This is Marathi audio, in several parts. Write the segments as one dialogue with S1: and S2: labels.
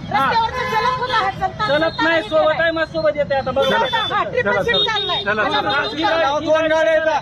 S1: चलत नाही, सोबत आहे, मग सोबत येते आता बघा.
S2: दोन गाड्या येतात,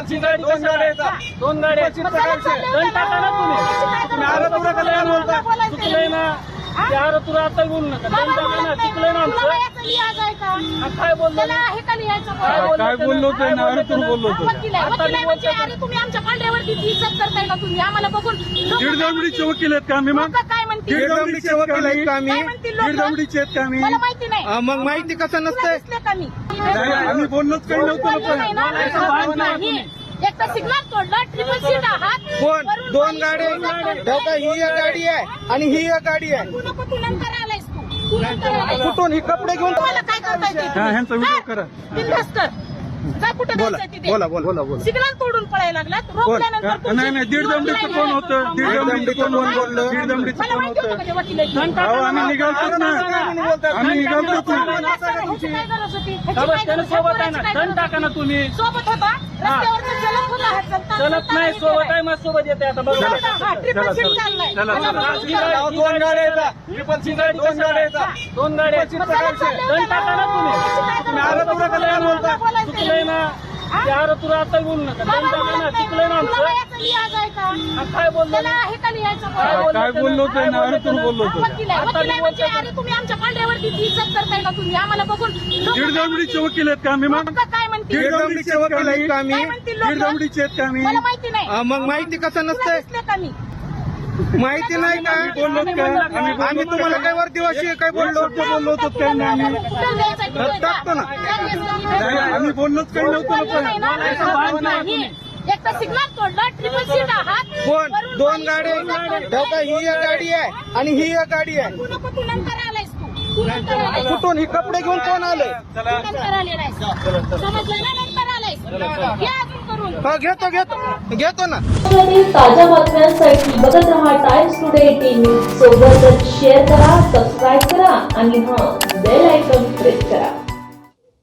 S1: दोन गाड्या दंड टाका ना तुम्ही. चुकलंय ना ते आर तुला आता बोलू नका. दंड टाका ना, चुकलंय ना आमचं. काय बोललो
S2: काय बोललो होतो ना, अरे तू बोललो होतो.
S3: तुम्ही आमच्या पांढऱ्यावरती इज्जत करताय का तुम्ही आम्हाला बघून?
S2: दीडदमडीचे वकील आहेत का आम्ही? मग
S3: काय म्हणतील?
S2: दीडदमडीचे वकील आहेत का आम्ही? दीडदमडीचे आहेत का आम्ही?
S3: मला माहिती नाही.
S2: मग माहिती कसं नसतंय?
S3: का मी
S2: आम्ही बोललोच काही नव्हतं ना.
S3: एक तर सिग्नल तोडला, ट्रिपल सीट आहात.
S2: कोण? दोन गाड्या ठेवता, ही एक गाडी आहे आणि ही एक गाडी आहे.
S3: तू नंतर आलायस तू नंतर आलायस.
S2: कुठून ही कपडे घेऊन?
S3: तुम्हाला काय करता येते?
S2: ह्यांचा व्हिडिओ करा.
S3: बिनधास्त कर. जा कुठे जायचं तिथे.
S2: बोला.
S3: सिग्नल तोडून पळायला लागलात. रोखल्यानंतर
S2: नाही, दीडदमडीचं कोण होतं? दीडदमडीचं कोण बोललं? दीडदमडीचं
S3: मला
S2: कोण
S3: माहिती होतं
S2: होतं?
S3: का ते वकील आहेत?
S2: अहो, आम्ही निघालतोच ना. आम्ही निघालतोच ना.
S3: ह्याची काय गरज होती?
S1: त्यानं सोबत आहे ना, दंड टाका ना तुम्ही.
S3: सोबत होता रस्त्यावरचा चलत होता हा चलता.
S1: चलत नाही, सोबत आहे, मग सोबत येते आता बघा.
S3: हा ट्रिपल सीट चाललाय.
S2: चला.
S3: मला बघून
S2: दोन गाड्या येतात, दोन गाड्या येतात.
S1: दोन गाड्या दंड टाका ना तुम्ही. चुकलंय ना ते आर तुला आता बोलू नका. दंड टाका ना, चुकलंय ना आमचं. काय बोललो?
S2: काय बोललो होतो ना, अरे तू बोललो होतो.
S3: तुम्ही आमच्या पांढऱ्यावरती इज्जत करताय का तुम्ही आम्हाला बघून?
S2: दीडदमडीचे वकील आहेत का आम्ही? मग
S3: काय म्हणतील?
S2: दीडदमडीचे वकील आहेत का आम्ही? दीडदमडीचे आहेत का आम्ही?
S3: मला माहिती नाही.
S2: मग माहिती कसं नसतंय?
S3: का मी
S2: माहिती नाही का? बोललो का आम्ही? तुम्हाला काय वर्दीवाशी काय बोललो होतो काय नाही? आम्ही टाकतो ना. आम्ही बोललोच काही नव्हतं ना.
S3: एक तर सिग्नल तोडला, ट्रिपल सीट आहात.
S2: कोण? दोन गाड्या ठेवता, ही एक गाडी आहे आणि ही एक गाडी आहे.
S3: तू नंतर आलायस तू नंतर आलायस.
S2: कुठून ही कपडे घेऊन कोण आलंय?
S3: नंतर आले नाहीस. समजलं ना? नंतर आलायस. घ्या अजून करून.
S2: हा, घेतो ना.
S4: ताज्या बातम्यांसाठी बघत रहा टाइम्स टुडे 18 सोबतच शेअर करा, सबस्क्राईब करा आणि बेल आयकॉन प्रेस करा.